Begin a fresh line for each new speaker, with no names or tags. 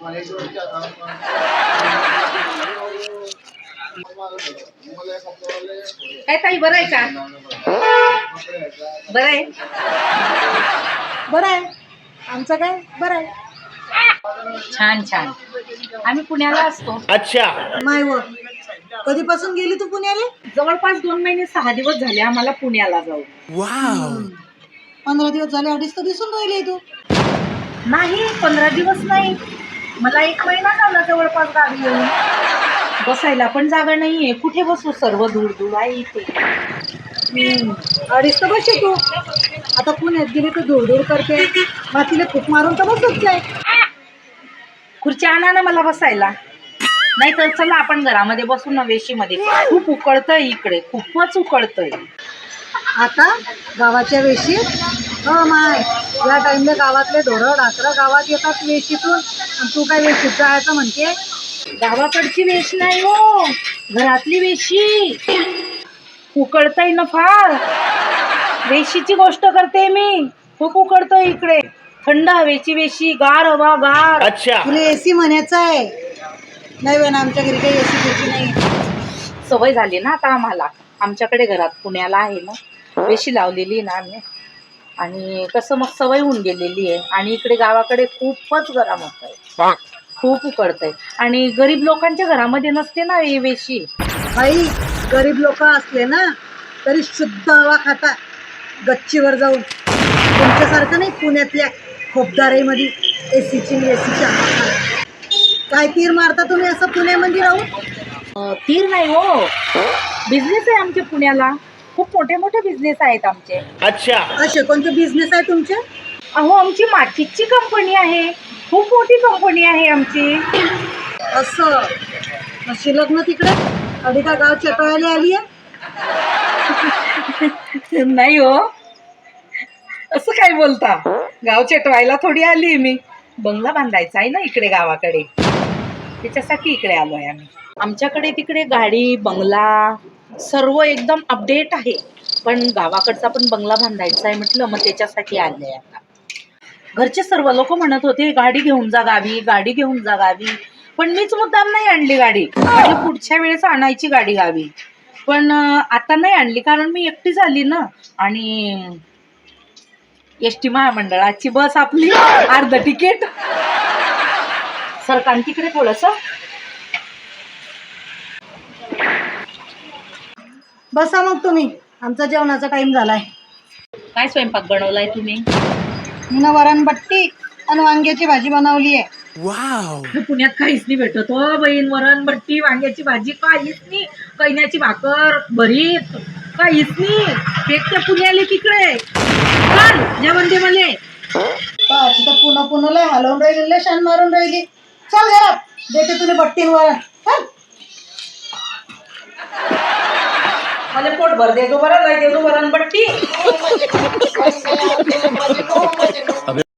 काय ताई बरं आहे का? बरं आहे.
बरं आहे. आमचं काय बरं आहे.
छान छान. आम्ही पुण्याला असतो.
अच्छा.
माय व कधीपासून गेली तू पुण्याला?
जवळपास 2 महिने 6 दिवस झाले आम्हाला पुण्याला जाऊ.
वाव.
15 दिवस झाले. अडीच तर दिसून राहिले तू.
नाही 15 दिवस नाही, मला 1 महिना झाला जवळपास गावी येऊन. बसायला पण जागा नाहीये, कुठे बसू, सर्व धूळ धूळ आहे इथे.
अडीच तर बसते तू. आता पुण्यात गेली तर धुळधुळ करते, मातीला खूप मारून तर बसत जाय.
खुर्ची आणा ना मला बसायला. नाही तर चला आपण घरामध्ये बसू ना, वेशीमध्ये. खूप उकळतंय इकडे, खूपच उकळतंय.
आता गावाच्या वेशीत माय, या टाइमला गावातले ढोरं डाकरं गावात येतात वेशीतून, आणि तू काय वेशीत जायचं म्हणते?
गावाकडची वेश नाही हो, घरातली वेशी. उकळतंय ना फार. वेशीची गोष्ट करते मी. खूप उकळतंय इकडे. थंड हवेची वेशी, गार हवा, गार.
अच्छा.
तुला एसी म्हणायचं आहे? नाही बघ, आमच्या घरी काही एसी बिसी नाही.
सवय झाली ना आता आम्हाला. आमच्याकडे घरात पुण्याला आहे ना, वेशी लावलेली ना आम्ही, आणि कसं मग सवय होऊन गेलेली आहे. आणि इकडे गावाकडे खूपच गरम होत आहे, खूप उकडतंय. आणि गरीब लोकांच्या घरामध्ये नसते ना ही वेशी.
बाई, गरीब लोक असले ना तरी शुद्ध हवा खाता गच्चीवर जाऊन. तुमच्यासारखं नाही पुण्यातल्या खोपदारीमध्ये एसीची हवा खात. काय तीर मारता तुम्ही असं पुण्यामध्ये राहून?
तीर नाही हो, बिझनेस आहे आमचे पुण्याला. खूप मोठे मोठे बिझनेस आहेत आमचे.
अच्छा.
असे कोणते बिझनेस आहे तुमचे?
अहो, आमची माचीची कंपनी आहे, खूप मोठी कंपनी आहे आमची.
असं अशी लग्न तिकडे अडी का गाव चटवायला आली आहे?
नाही हो, असं काय बोलता. गाव चटवायला थोडी आली मी. बंगला बांधायचा आहे ना इकडे गावाकडे, त्याच्यासाठी इकडे आलो आहे आम्ही. आमच्याकडे तिकडे गाडी बंगला सर्व एकदम अपडेट आहे, पण गावाकडचा पण बंगला बांधायचा आहे म्हटलं, मग त्याच्यासाठी आले आहे आता. घरचे सर्व लोक म्हणत होते गाडी घेऊन जा गावी, गाडी घेऊन जा गावी, पण मीच मुद्दाम नाही आणली गाडी. म्हटलं पुढच्या वेळेस आणायची गाडी गावी, पण आता नाही आणली कारण मी एकटी झाली ना. आणि एसटी महामंडळाची बस आपली, अर्ध तिकीट. सरकार तिकडे थोडस.
बसा मग तुम्ही, आमचा जेवणाचा टाइम झालाय.
काय स्वयंपाक बनवलाय तुम्ही?
मी वरणबट्टी आणि वांग्याची भाजी बनवली आहे.
वाव.
पुण्यात काहीच नाही भेटत हो बहीण. वरण बट्टी, वांग्याची भाजी काहीच नाही. कैन्याची भाकर, भरीत काहीच नाही. पेटते पुण्याले तिकडे. चल जेवण दे मले.
तिथं पुन्हा पुन्हा हलवून राहिली, शान मारून राहिली. चल घरात, देते तुला बट्टीन वरण.
मला पोट भर देतो बरं, लय देतो वरण बट्टी.